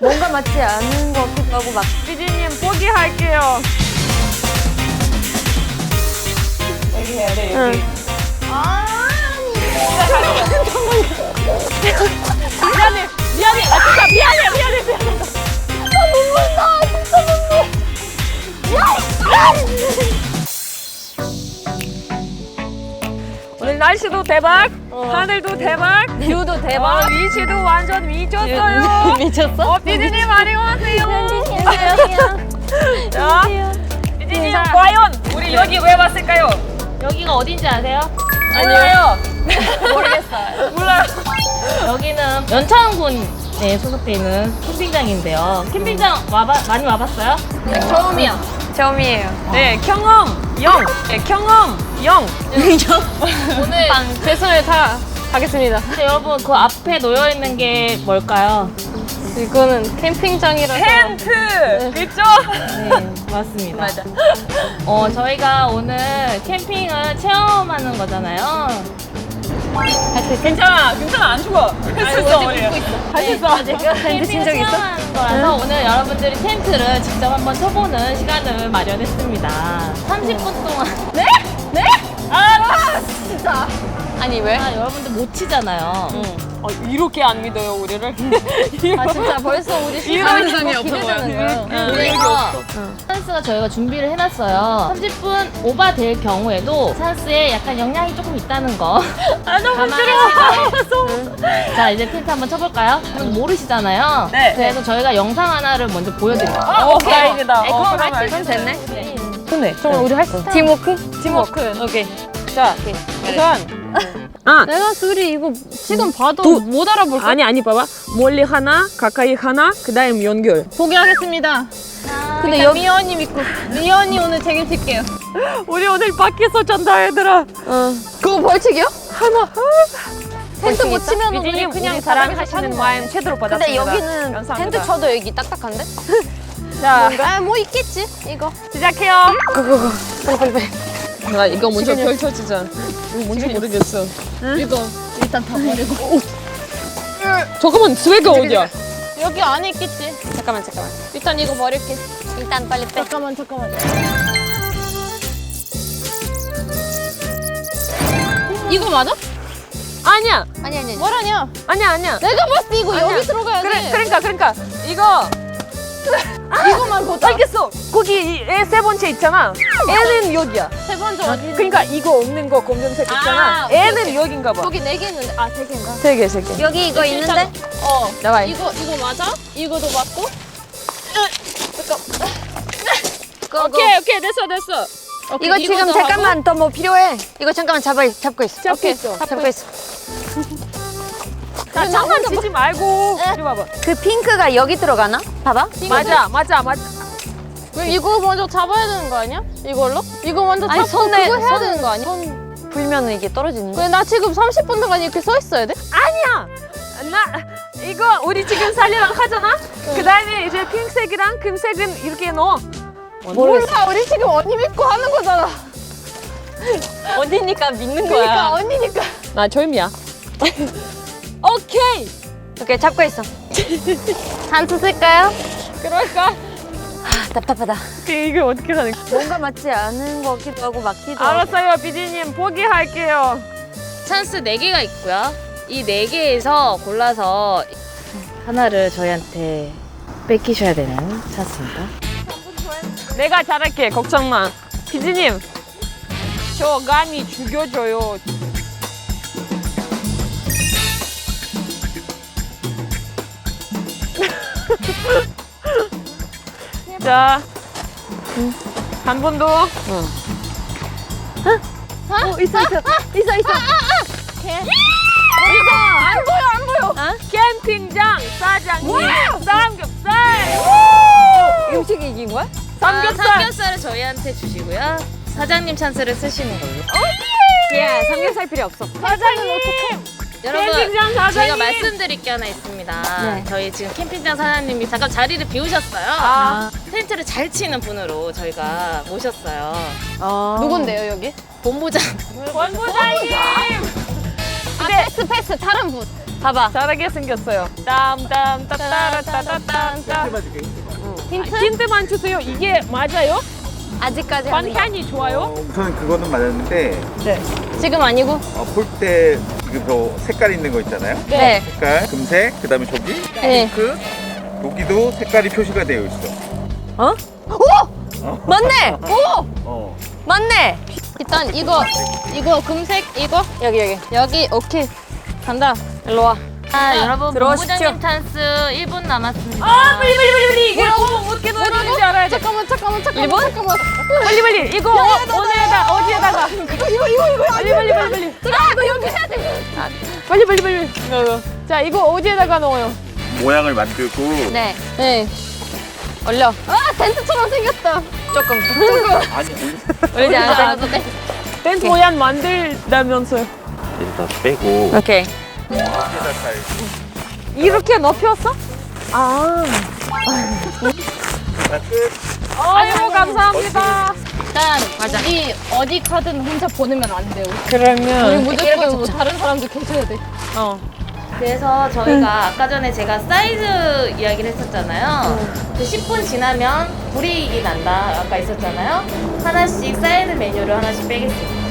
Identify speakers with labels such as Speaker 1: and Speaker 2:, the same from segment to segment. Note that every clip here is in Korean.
Speaker 1: 뭔가 맞지 않은 것 같기도 하고 막.
Speaker 2: 피디님 포기할게요. 여기 해야 돼, 여기. 미안해. 아, 진짜 미안해. 오늘 날씨도 대박, 하늘도 대박,
Speaker 1: 뷰도 대박.
Speaker 2: 위치도 완전 미쳤어요.
Speaker 1: 미쳤어?
Speaker 2: 피디님 안녕하세요. 자, 피디님
Speaker 1: 자.
Speaker 2: 과연 우리 여기 왜 왔을까요?
Speaker 3: 여기가 어딘지 아세요?
Speaker 2: 몰라요.
Speaker 1: 모르겠어요.
Speaker 2: 몰라요.
Speaker 3: 여기는 연천군에 소속돼 있는 캠핑장인데요. 캠핑장 많이 와봤어요?
Speaker 1: 처음이에요.
Speaker 2: 네, 경험 0. 네, 경험 0.
Speaker 3: 오늘
Speaker 1: 최선을 다하겠습니다.
Speaker 3: 근데 여러분 그 앞에 놓여 있는 게 뭘까요?
Speaker 1: 이거는 캠핑장이라서.
Speaker 2: 텐트. 그쵸?
Speaker 3: 네, 맞습니다.
Speaker 1: 맞아.
Speaker 3: 저희가 오늘 캠핑을 체험하는 거잖아요.
Speaker 2: 괜찮아, 안 죽어. 할 수 있어, 우리. 할 수 있어.
Speaker 1: 텐트 친 적 있어?
Speaker 3: 체험하는 거라서 오늘 여러분들이 텐트를 직접 한번 쳐보는 시간을 마련했습니다. 30분 동안.
Speaker 2: 네?
Speaker 1: 진짜. 아니 왜?
Speaker 3: 여러분들 못 치잖아요.
Speaker 2: 이렇게 안 믿어요, 우리를?
Speaker 1: 아 진짜 벌써 우리
Speaker 2: 이런
Speaker 1: 시간이
Speaker 2: 없어
Speaker 1: 기대되는 거예요.
Speaker 3: 그래서 찬스가 저희가 준비를 해놨어요. 30분 오버될 경우에도 찬스에 약간 영향이 조금 있다는 거.
Speaker 2: 너무
Speaker 3: 감안하시고. 자, 이제 텐트 한번 쳐볼까요? 모르시잖아요.
Speaker 2: 네.
Speaker 3: 그래서 저희가 영상 하나를 먼저 보여드릴게요.
Speaker 2: 다행이다.
Speaker 1: 그럼
Speaker 2: 그럼
Speaker 1: 됐네.
Speaker 2: 좋네.
Speaker 1: 그럼 우리 할 수 있어. 팀워크?
Speaker 2: 오케이. 자, 우선.
Speaker 1: 내가 둘이 이거 지금 봐도 못 알아볼 거.
Speaker 2: 아니, 봐봐. 멀리 하나, 가까이 하나, 그 다음 연결.
Speaker 1: 포기하겠습니다. 근데 여기 미연이 믿고 미연이 오늘 책임질게요.
Speaker 2: 우리 오늘 밖에서 잔다, 얘들아.
Speaker 1: 그거 벌칙이요?
Speaker 2: 하나.
Speaker 1: 텐트 못 치면 우리
Speaker 2: 피디님,
Speaker 1: 그냥
Speaker 2: 우리
Speaker 1: 바닥에서
Speaker 2: 사랑하시는
Speaker 1: 사는
Speaker 2: 마음 제대로
Speaker 1: 근데
Speaker 2: 받았습니다.
Speaker 1: 여기는
Speaker 2: 감사합니다.
Speaker 1: 텐트 쳐도 여기 딱딱한데?
Speaker 2: 자,
Speaker 1: 뭐 있겠지 이거.
Speaker 2: 시작해요.
Speaker 1: 빨리.
Speaker 2: 나 이거 먼저 펼쳐지자. 이거 뭔지 모르겠어.
Speaker 1: 이거 일단 다 버리고.
Speaker 2: 잠깐만, 스웨그 어디야?
Speaker 1: 여기 안에 있겠지.
Speaker 2: 잠깐만.
Speaker 1: 일단 이거 버릴게. 일단 빨리 빼. 잠깐만. 이거 맞아?
Speaker 2: 아니야.
Speaker 1: 아니. 뭐라냐?
Speaker 2: 아니야.
Speaker 1: 내가 봤을 때 이거
Speaker 2: 아니야.
Speaker 1: 여기 들어가야 돼.
Speaker 2: 그러니까. 이거.
Speaker 1: 이거만 보자.
Speaker 2: 알겠어. 거기 세 번째 있잖아. 애는 여기야.
Speaker 1: 세 번째 어디?
Speaker 2: 그러니까 이거 없는 거 검정색 있잖아.
Speaker 1: 오케이,
Speaker 2: 애는 여긴가 봐.
Speaker 1: 여기 4개 있는데. 아, 3개인가?
Speaker 2: 세 개.
Speaker 1: 여기 이거 있는데?
Speaker 2: 나와.
Speaker 1: 이거 맞아? 이거도 맞고?
Speaker 2: 오케이, 됐어.
Speaker 1: 이거 지금
Speaker 3: 이거도
Speaker 1: 잠깐만 더 뭐 필요해. 이거 잠깐만 잡고 있어.
Speaker 2: 잡고 있어.
Speaker 1: 잡고 있어.
Speaker 2: 자, 장난 치지 말고. 이리 와봐.
Speaker 1: 그 핑크가 여기 들어가나? 봐봐.
Speaker 2: 맞아.
Speaker 1: 왜 이거 먼저 잡아야 되는 거 아니야? 이걸로? 이거 먼저
Speaker 3: 아니,
Speaker 1: 잡고
Speaker 3: 손에-
Speaker 1: 그거 해야
Speaker 3: 손-
Speaker 1: 되는 거 아니야? 손 불면은 이게 떨어지는 거야? 나 지금 30분 동안 이렇게 서 있어야 돼?
Speaker 2: 아니야. 이거 우리 지금 살려랑 하잖아. 그 다음에 이제 핑색이랑 금색은 이렇게 넣어.
Speaker 1: 몰라, 우리 지금 언니 믿고 하는 거잖아.
Speaker 3: 언니니까 믿는
Speaker 1: 그러니까 언니니까.
Speaker 2: 나 젊이야. 오케이.
Speaker 1: 오케이, 잡고 있어. 한수 쓸까요?
Speaker 2: 그럴까?
Speaker 1: 아, 답답하다.
Speaker 2: 이게 어떻게 하는 거야?
Speaker 1: 뭔가 맞지 않은 것 같기도 하고 맞기도 하고.
Speaker 2: 알았어요, 비디님. 포기할게요.
Speaker 3: 찬스 4개가 있고요. 이 4개에서 골라서 하나를 저희한테 뺏기셔야 되는 찬스입니다.
Speaker 2: 내가 잘할게. 걱정 마. 비디님, 저 감이 죽여줘요. 자, 한 번 더.
Speaker 1: 있어. 안 보여.
Speaker 2: 캠핑장 사장님 삼겹살.
Speaker 1: 음식이 이긴 거야?
Speaker 2: 삼겹살.
Speaker 3: 삼겹살을 저희한테 주시고요. 사장님 찬스를 쓰시는 걸로.
Speaker 1: 야, 삼겹살 필요 없어.
Speaker 2: 사장님.
Speaker 3: 여러분,
Speaker 2: 캠핑장 사장님.
Speaker 3: 제가 말씀드릴 게 하나 있습니다.
Speaker 1: 네.
Speaker 3: 저희 지금 캠핑장 사장님이 잠깐 자리를 비우셨어요.
Speaker 2: 아.
Speaker 3: 텐트를 잘 치는 분으로 저희가 모셨어요.
Speaker 1: 누군데요, 여기?
Speaker 3: 본부장.
Speaker 2: 원부장님.
Speaker 1: 패스. 다른 분. 봐봐.
Speaker 2: 잘하게 생겼어요. 땀땀따따라따따따따. 힌트만 주세요. 이게 맞아요?
Speaker 1: 아직까지 하는 거.
Speaker 2: 방향이 좋아요?
Speaker 4: 우선 그거는 맞았는데
Speaker 2: 네.
Speaker 1: 지금 아니고?
Speaker 4: 폴때 지금 저 색깔 있는 거 있잖아요.
Speaker 1: 네.
Speaker 4: 색깔 금색, 그다음에 저기
Speaker 1: 네.
Speaker 4: 핑크, 여기도 색깔이 표시가 되어 있어.
Speaker 1: 어? 오! 맞네! 오!
Speaker 4: 어.
Speaker 1: 맞네! 일단 이거 금색 이거 여기 오케이 간다 일로 와.
Speaker 3: 여러분
Speaker 1: 들어오십시오.
Speaker 3: 본부장님 찬스 1분 남았습니다.
Speaker 2: 아, 빨리. 이게 어떻게 넣는지 알아야 돼.
Speaker 1: 잠깐만.
Speaker 2: 일본?
Speaker 1: 잠깐만.
Speaker 2: 빨리. 이거 오늘에다 어디에다가? 이거. 빨리.
Speaker 1: 이거 여기 해야 돼.
Speaker 2: 빨리. 자, 이거 어디에다가 넣어요?
Speaker 4: 모양을 만들고
Speaker 1: 네. 올려. 아 텐트처럼 생겼다. 조금.
Speaker 4: 아니
Speaker 1: 올리지 않아도 돼.
Speaker 2: 댄스 모양 만들다면서요.
Speaker 4: 일단 빼고
Speaker 1: 오케이.
Speaker 4: 여기다 잘
Speaker 2: 이렇게 높였어? 아.
Speaker 4: 자, 끝.
Speaker 2: 아유, 감사합니다.
Speaker 3: 일단 우리 어디 카드는 혼자 보내면 안 돼요. 우리
Speaker 2: 그러면
Speaker 3: 무조건 뭐 다른 사람도 계셔야 돼. 그래서 저희가 아까 전에 제가 사이즈 이야기를 했었잖아요. 그 10분 지나면 불이익이 난다 아까 있었잖아요. 하나씩 사이드 메뉴를 하나씩 빼겠습니다.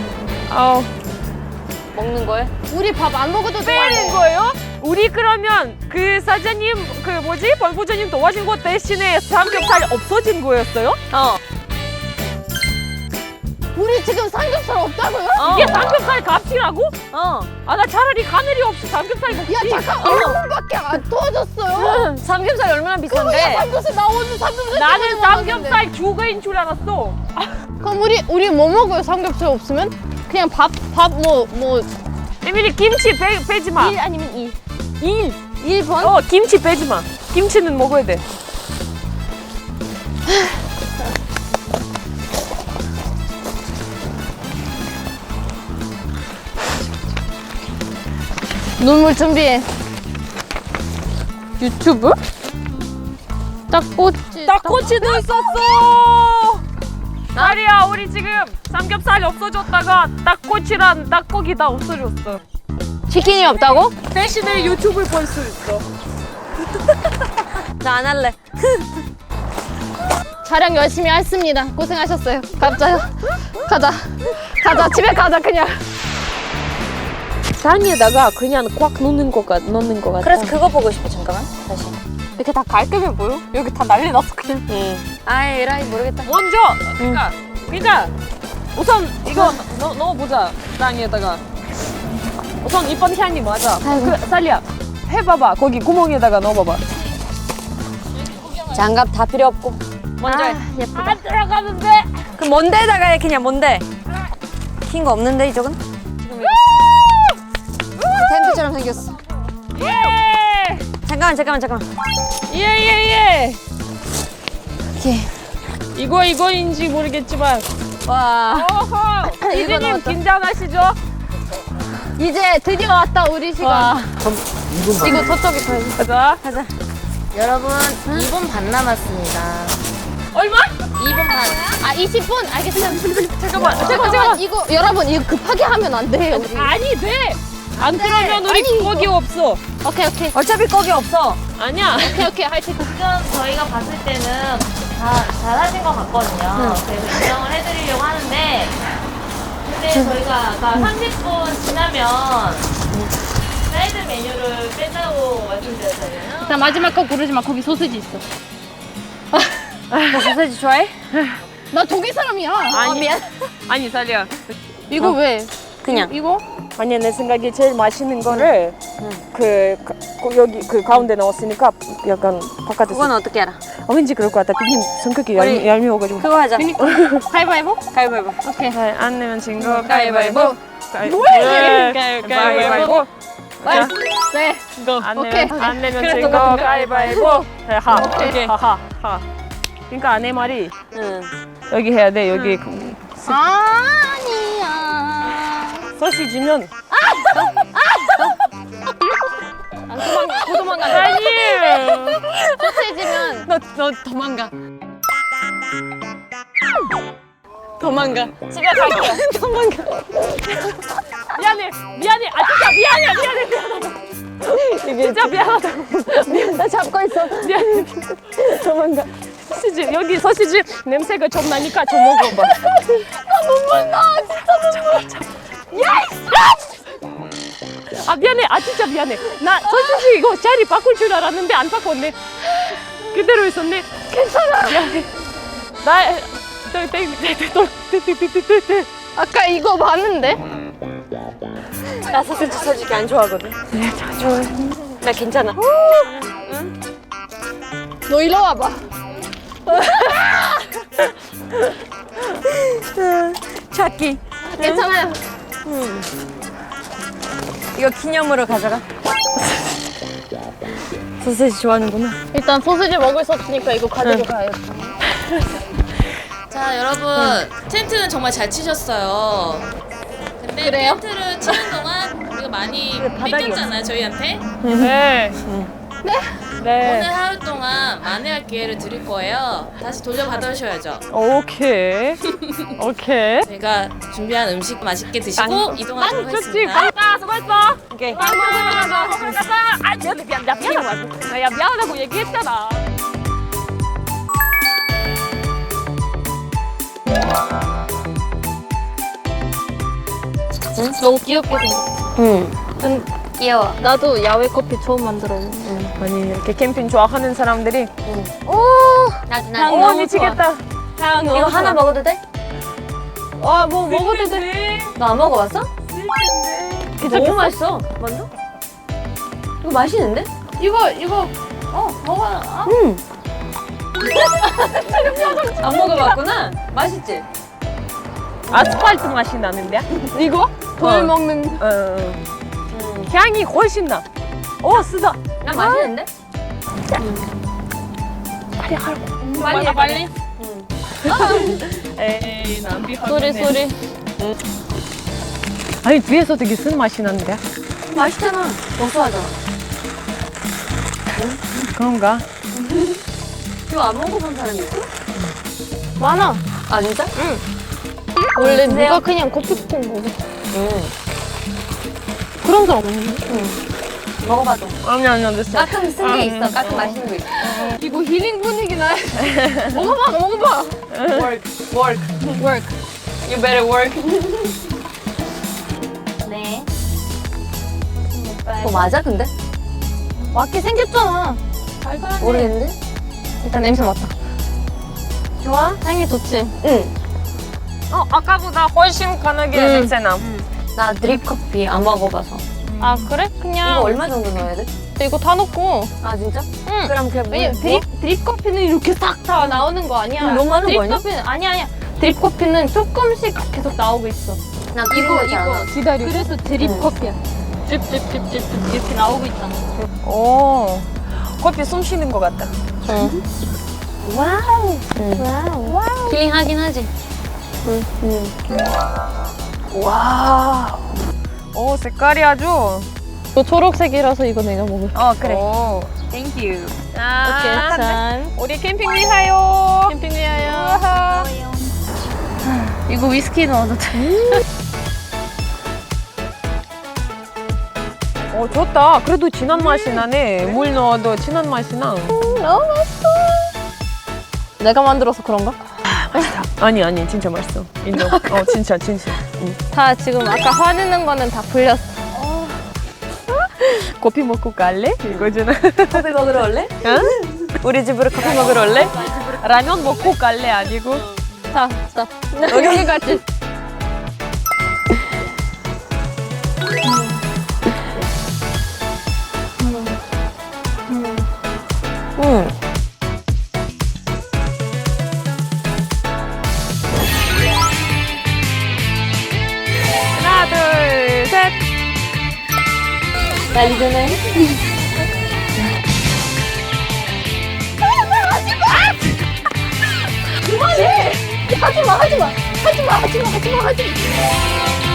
Speaker 1: 먹는 거에? 우리 밥 안 먹어도
Speaker 2: 빼는 거예요? 우리 그러면 그 사장님 본부장님 도와준 거 대신에 삼겹살 없어진 거였어요?
Speaker 1: 우리 지금 삼겹살 없다고요?
Speaker 2: 이게 삼겹살 값이라고?
Speaker 1: 어.
Speaker 2: 아, 나 차라리 하늘이 없이 삼겹살 먹지.
Speaker 1: 야 잠깐 얼굴밖에 안 도와줬어요. 삼겹살 얼마나 비싼데? 삼겹살 나 오늘 삼겹살.
Speaker 2: 나는 삼겹살 주가인 줄 알았어.
Speaker 1: 그럼 우리 뭐 먹어요? 삼겹살 없으면? 그냥 밥 뭐
Speaker 2: 에밀리 김치 빼지 마.
Speaker 1: 1 아니면 2.
Speaker 2: 1번? 김치 빼지 마. 김치는 먹어야 돼.
Speaker 1: 눈물 준비해. 유튜브?
Speaker 2: 닭꼬치도 있었어. 아리야, 우리 지금 삼겹살이 없어졌다가 닭꼬치랑 닭고기 다 없어졌어.
Speaker 1: 치킨이 없다고?
Speaker 2: 대신에 유튜브를 볼 수 있어.
Speaker 1: 나 안 할래. 촬영 열심히 했습니다. 고생하셨어요. 가자. 집에 가자 그냥.
Speaker 2: 산에다가 그냥 꽉 넣는 거 같아.
Speaker 1: 그래서 그거 보고 싶어. 잠깐만. 다시.
Speaker 2: 이렇게 다 깔끔해 보여? 여기 다 난리 났어 그냥.
Speaker 1: 아이 에라이 모르겠다.
Speaker 2: 먼저 그러니까 우선 이거 넣어보자. 땅에다가 우선 이번 향이 맞아. 그 살리야 해봐봐. 거기 구멍에다가 넣어봐봐.
Speaker 1: 장갑 다 필요 없고. 먼저 해.
Speaker 2: 예쁘다. 안 들어가는데.
Speaker 1: 그 뭔데다가 해 그냥 뭔데? 흰 거 없는데 이쪽은? 텐트처럼 생겼어.
Speaker 2: 예.
Speaker 1: 잠깐만.
Speaker 2: 예.
Speaker 1: 오케이.
Speaker 2: 이거인지 모르겠지만.
Speaker 1: 와.
Speaker 2: 어허.
Speaker 1: 이거
Speaker 2: 이제님
Speaker 1: 넣었다.
Speaker 2: 긴장하시죠?
Speaker 1: 이제 드디어 왔다 우리 시간. 이거 저쪽에 가야지.
Speaker 2: 가자.
Speaker 3: 여러분 2분 반 남았습니다.
Speaker 2: 얼마?
Speaker 3: 2분 반.
Speaker 1: 아 20분? 알겠습니다.
Speaker 2: 잠깐만.
Speaker 1: 이거 여러분 이거 급하게 하면 안 돼요. 우리.
Speaker 2: 아니 돼. 안 그러면 우리
Speaker 1: 아니,
Speaker 2: 거기 없어.
Speaker 1: 오케이. 어차피 거기 없어.
Speaker 2: 아니야.
Speaker 1: 오케이 할 수 있어.
Speaker 3: 지금 저희가 봤을 때는 다 잘하신 것 같거든요. 그래서 인정을 해드리려고 하는데 근데 저희가 아까 30분 지나면 사이드 메뉴를 뺀다고 말씀드렸잖아요.
Speaker 1: 나 마지막 거 고르지 마. 거기 소시지 있어. 너 소시지 좋아해? 나 독일 사람이야. 미안.
Speaker 2: 아니 살리야.
Speaker 1: 이거 왜? 그냥.
Speaker 2: 이거? 아니 내 생각에 제일 맛있는 거를 여기 그 가운데 넣었으니까 약간 바깥에서.
Speaker 1: 그건 어떻게 알아?
Speaker 2: 왠지 그럴 것 같다. 비님 성격이 얄미워가지고.
Speaker 1: 그거 하자. 가위바위보? 가위바위보. 오케이.
Speaker 2: 안 내면 진 거
Speaker 1: 가위바위보.
Speaker 2: 뭐야 이게? 가위바위보.
Speaker 1: 네. 오케이.
Speaker 2: 안 내면
Speaker 1: 그래,
Speaker 2: 진 거
Speaker 1: 똑같은데?
Speaker 2: 가위바위보. 하.
Speaker 1: 오케이.
Speaker 2: 하. 그러니까 내 말이
Speaker 1: 응.
Speaker 2: 여기 해야 돼. 여기
Speaker 1: 아니야.
Speaker 2: 소시지면
Speaker 1: 도망가.
Speaker 2: 아니.
Speaker 1: 소시지면 너 도망가. 도망가. 집에 갈게. 도망가.
Speaker 2: 미안해. 아 진짜 미안하다. 진짜 미안하다.
Speaker 1: 나 잡고 있어.
Speaker 2: 미안해. 도망가. 소시지 여기 소시지 냄새가 좀 나니까 좀 먹어봐.
Speaker 1: 눈물 나. 진짜 눈물.
Speaker 2: 아 미안해. 아 진짜 미안해. 나 소시지 이거 자리 바꿀 줄 알았는데 안 바꿨네. 그대로 있었네.
Speaker 1: 괜찮아.
Speaker 2: 미안해. 나
Speaker 1: 아까 이거 봤는데?
Speaker 2: 나 소시지 솔직히 안 좋아하거든. 네, 좋아해. 나 괜찮아.
Speaker 1: 너 이리 와봐.
Speaker 2: 찾기.
Speaker 1: 괜찮아요.
Speaker 2: 이거 기념으로 가져가. 소시지 좋아하는구나.
Speaker 1: 일단 소시지 먹을 수 없으니까 이거 가지고 가요.
Speaker 3: 자 여러분 텐트는 정말 잘 치셨어요. 근데
Speaker 1: 그래요?
Speaker 3: 텐트를 치는 동안 우리가 많이
Speaker 2: 바닥이
Speaker 3: 뺏겼잖아요 저희한테.
Speaker 2: 네.
Speaker 3: 오늘
Speaker 2: 네.
Speaker 3: 하루 동안 만회할 기회를 드릴 거예요. 다시 돌려받으셔야죠.
Speaker 2: 오케이. 오케이.
Speaker 3: 저희가 준비한 음식 맛있게 드시고 이동하도록
Speaker 2: 좋지.
Speaker 3: 하겠습니다.
Speaker 2: 갔다. 수고했어. 오케이. 아, 먹으러 가자. 아, 미안하다고. 야, 미안하다고 얘기했잖아.
Speaker 1: 너무 귀엽게 생겼어. 귀여워. 나도 야외 커피 처음 만들어.
Speaker 2: 아니, 이렇게 캠핑 좋아하는 사람들이
Speaker 1: 나도
Speaker 2: 오, 미치겠다.
Speaker 1: 이거 하나 먹어도 돼?
Speaker 2: 뭐 먹어도 돼.
Speaker 1: 너 안 먹어봤어?
Speaker 2: 너무
Speaker 1: 맛있어. 먼저? 이거 맛있는데? 이거 먹어. 안 먹어봤구나. 맛있지?
Speaker 2: 아스팔트 맛이 나는데?
Speaker 1: 이거? 돌 먹는.
Speaker 2: 향이 훨씬 나. 오, 쓰다.
Speaker 1: 나 맛있는데? 빨리.
Speaker 2: 에이, 남비
Speaker 1: 소리.
Speaker 2: 아니, 뒤에서 되게 쓴 맛이 나는데?
Speaker 1: 맛있잖아. 고소하잖아.
Speaker 2: 그런가?
Speaker 1: 이거 안 먹어본 사람이 있어? 많아. 아 진짜? 응. 원래 누가 그냥 커피콩 먹어. 그런 사람 없는데? 먹어봐도.
Speaker 2: 아니, 안 됐어.
Speaker 1: 가끔 쓴 게 있어. 가끔 맛있는 거 있어. 이거 힐링 분위기나. 먹어봐.
Speaker 2: Work.
Speaker 1: You better work. 네. 뭐 맞아 근데? 맞게 생겼잖아. 모르겠는데? 일단 냄새 맡아. 좋아? 향이 좋지? 응.
Speaker 2: 아까보다 훨씬 강하게 냄새나.
Speaker 1: 나 드립 커피 안 먹어봐서.
Speaker 5: 아 그래? 그냥
Speaker 1: 이거 얼마 정도 넣어야 돼?
Speaker 5: 이거 다 넣고
Speaker 1: 아 진짜?
Speaker 5: 응.
Speaker 1: 그럼 그냥
Speaker 5: 왜냐면 드립 커피는 이렇게 싹 다 나오는 거 아니야.
Speaker 1: 너무 많은 거
Speaker 5: 드립
Speaker 1: 아니야?
Speaker 5: 커피는 아니야. 드립 커피는 조금씩 계속 나오고 있어.
Speaker 1: 나 이거 잘안
Speaker 2: 기다려.
Speaker 5: 그래서 드립 커피야. 드립 이렇게 나오고 있잖아.
Speaker 2: 오, 커피 숨 쉬는 것 같다.
Speaker 1: 와우. 힐링하긴 하지.
Speaker 2: 와. 오, 색깔이 아주.
Speaker 5: 이거 초록색이라서 이거 내가 먹을.
Speaker 2: 그래. 오, 땡큐.
Speaker 5: 오케이, 짠.
Speaker 2: 우리 캠핑 위하여.
Speaker 5: 캠핑 위하여.
Speaker 2: 우와.
Speaker 1: 이거 위스키 넣어도 돼.
Speaker 2: 좋다. 그래도 진한 맛이 나네. 물 넣어도 진한 맛이 나.
Speaker 5: 너무 맛있어. 내가 만들어서 그런가?
Speaker 2: 아니, 진짜 맛있어. 인정. 진짜.
Speaker 5: 다 지금 아까 화내는 거는 다 풀렸어.
Speaker 2: 커피 먹고 갈래? 이거잖아.
Speaker 1: 커피 먹으러 올래?
Speaker 2: 우리 집으로 커피 먹으러 올래? 라면 먹고 갈래? 아니고.
Speaker 5: 자, 여기까지.
Speaker 2: 하나, 둘, 셋.
Speaker 1: 난리 전에. 하지마.